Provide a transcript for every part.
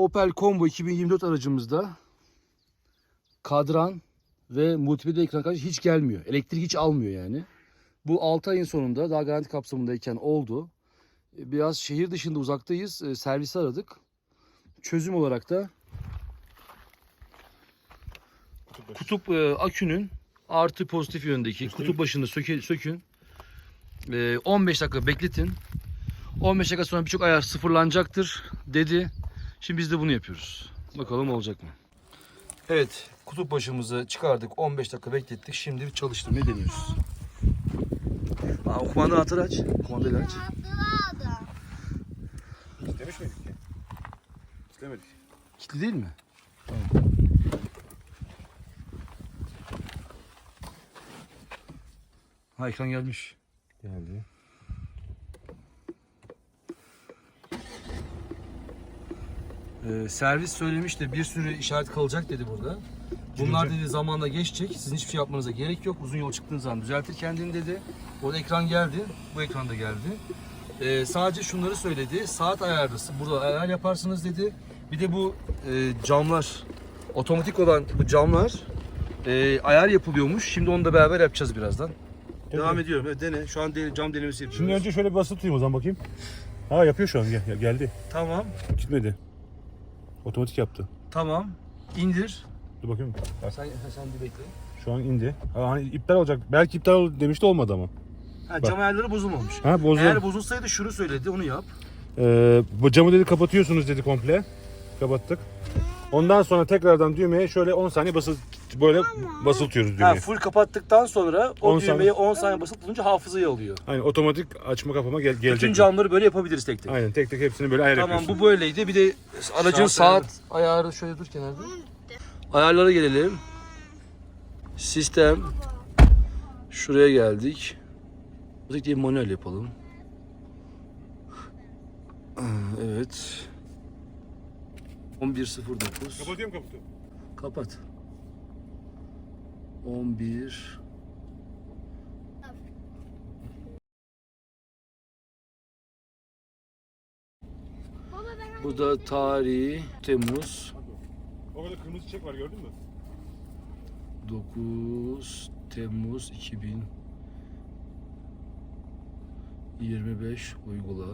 Opel Combo 2024 aracımızda kadran ve multimedya ekran kartı hiç gelmiyor. Elektrik hiç almıyor yani. Bu 6 ayın sonunda daha garanti kapsamındayken oldu. Biraz şehir dışında uzaktayız. Servisi aradık. Çözüm olarak da kutup akünün artı pozitif yöndeki kutup başını sökün. 15 dakika bekletin. 15 dakika sonra birçok ayar sıfırlanacaktır dedi. Şimdi biz de bunu yapıyoruz. Bakalım olacak mı? Evet, kutup başımızı çıkardık. 15 dakika beklettik. Şimdi bir çalıştırmayı deniyoruz. Kumandanı anahtarı aç. Kumandayı aç. İstemiş miydik ki? İstemedik. Kilitli değil mi? Tamam. Ha, ekran gelmiş. Geldi. Servis söylemiş de bir sürü işaret kalacak dedi burada. Bunlar dedi zamanla geçecek. Sizin hiçbir şey yapmanıza gerek yok. Uzun yol çıktığınız zaman düzeltir kendini dedi. Orada ekran geldi. Bu ekran da geldi. Sadece şunları söyledi. Saat ayarlısı. Burada ayar yaparsınız dedi. Bir de bu camlar, otomatik olan bu camlar ayar yapılıyormuş. Şimdi onu da beraber yapacağız birazdan. Devam ediyorum. Evet, dene. Şu an cam denemesi yapıyoruz. Şimdi önce şöyle bir basılı tutayım o zaman bakayım. Ha yapıyor şu an geldi. Tamam. Gitmedi. Otomatik yaptı. Tamam. İndir. Dur bakayım. Bak, Sen bir bekle. şu an indi. Ha, hani iptal olacak. Belki iptal demişti olmadı ama. Cam ayarları bozulmamış. Ha bozuldu. Eğer bozulsaydı şunu söyledi, onu yap. Bu camı dedi kapatıyorsunuz dedi komple. Kapattık. Ondan sonra tekrardan düğmeye şöyle 10 saniye basıltıyoruz düğmeyi. Full kapattıktan sonra o 10 düğmeye saniye. 10 saniye basıp bulunca hafızayı alıyor. Aynen otomatik açma kapama gelecek. Bütün camları böyle yapabiliriz tek tek. Aynen tek tek hepsini böyle ayar Tamam, yapıyorsun. bu böyleydi. Bir de aracın saat ayarı şöyle dur kenarda. Ayarlara gelelim. Sistem. Şuraya geldik. Buradaki diye manuel yapalım. Evet. 11.09. Kapatıyorum kaputu. Kapat. 11. Bu da tarihi Temmuz. Orada kırmızı çiçek var gördün mü? 9 Temmuz 2025 uygula.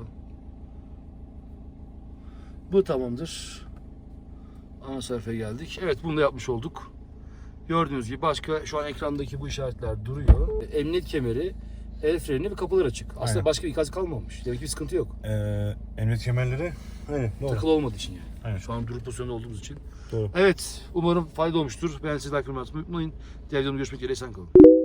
Bu tamamdır. Ana sayfaya geldik. Evet, bunu da yapmış olduk. Gördüğünüz gibi başka şu an ekrandaki bu işaretler duruyor. Emniyet kemeri, el freni ve kapılar açık. Aslında Aynen. başka bir ikaz kalmamış. Demek ki bir sıkıntı yok. Emniyet kemerleri. Aynen doğru. Takılı olmadığı için yani. Aynen. Şu an durup pozisyonda olduğumuz için. Doğru. Evet, umarım fayda olmuştur. Ben size like atmayı unutmayın. Diğer videomda görüşmek üzere. Esen kalın.